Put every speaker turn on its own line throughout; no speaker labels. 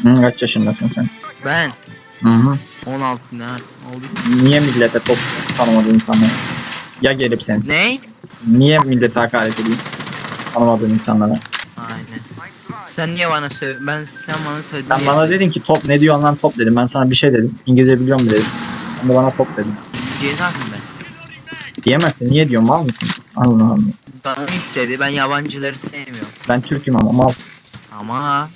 Hı, kaç yaşındasın sen?
Ben
Hı hı.
16 ne oldu?
Niye millete top tanımadığın insanlara? Ya gelip sensin.
Ne?
Niye millete hakaret edeyim? Tanımadığın insanlara.
Aynen. Sen niye bana sen bana söyledin
Sen
diye
bana
söyledim.
dedin ki top ne diyorsun lan top dedim. Ben sana bir şey dedim. İngilizce biliyorum dedim. Sen de bana top dedin.
Ceza mı ben?
Diyemezsin. Niye diyorsun mal mısın? Allah Allah.
Bana istedi. Ben yabancıları sevmiyorum.
Ben Türk'üm ama mal.
Ama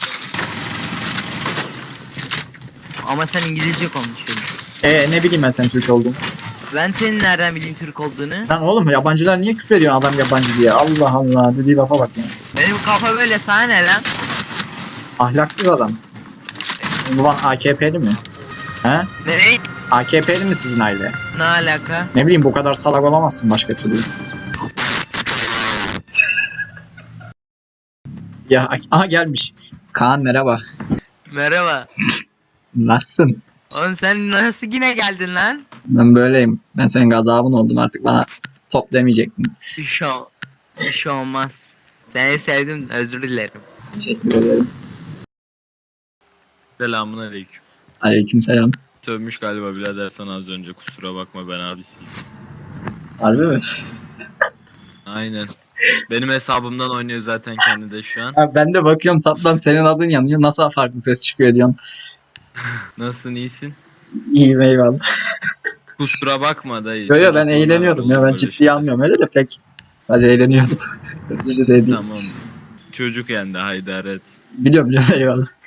sen İngilizce konuşuyorsun.
Ne bileyim ben senin Türk olduğunu.
Ben senin nereden bileyim Türk olduğunu?
Lan oğlum yabancılar niye küfür ediyor adam yabancı diye? Allah Allah dediği lafa bak ya.
Benim kafa böyle, sana ne lan?
Ahlaksız adam. Baban AKP'li mi? He?
Ne?
AKP'li mi sizin aile?
Ne alaka?
Ne bileyim bu kadar salak olamazsın başka türlü. Ya aha gelmiş. Kaan merhaba.
Merhaba.
Nasılsın?
Oğlum sen nasıl yine geldin lan?
Ben böyleyim. Ben senin gazabın oldum artık bana top demeyecektin.
Bir şey olmaz. Seni sevdim, özür dilerim.
Teşekkür ederim.
Selamünaleyküm.
Aleykümselam.
Sövmüş galiba birader sana az önce, kusura bakma ben abisiyim.
Harbi mi?
Aynen. Benim hesabımdan oynuyor zaten kendi de şu an.
Ha, ben de bakıyorum tatlan senin adın yanıyor. Nasıl farklı ses çıkıyor diyorsun.
Nasılsın, iyisin?
İyiyim eyvallah.
Kusura bakma dayı.
Yo yo ben
Çocukluğuna
eğleniyordum ya
olur
ben
böyle
ciddiye
şeyler.
almıyorum öyle de pek. Sadece eğleniyordum. Özür dilerim.
Tamam. Çocuk yendi, haydar et.
Biliyorum eyvallah.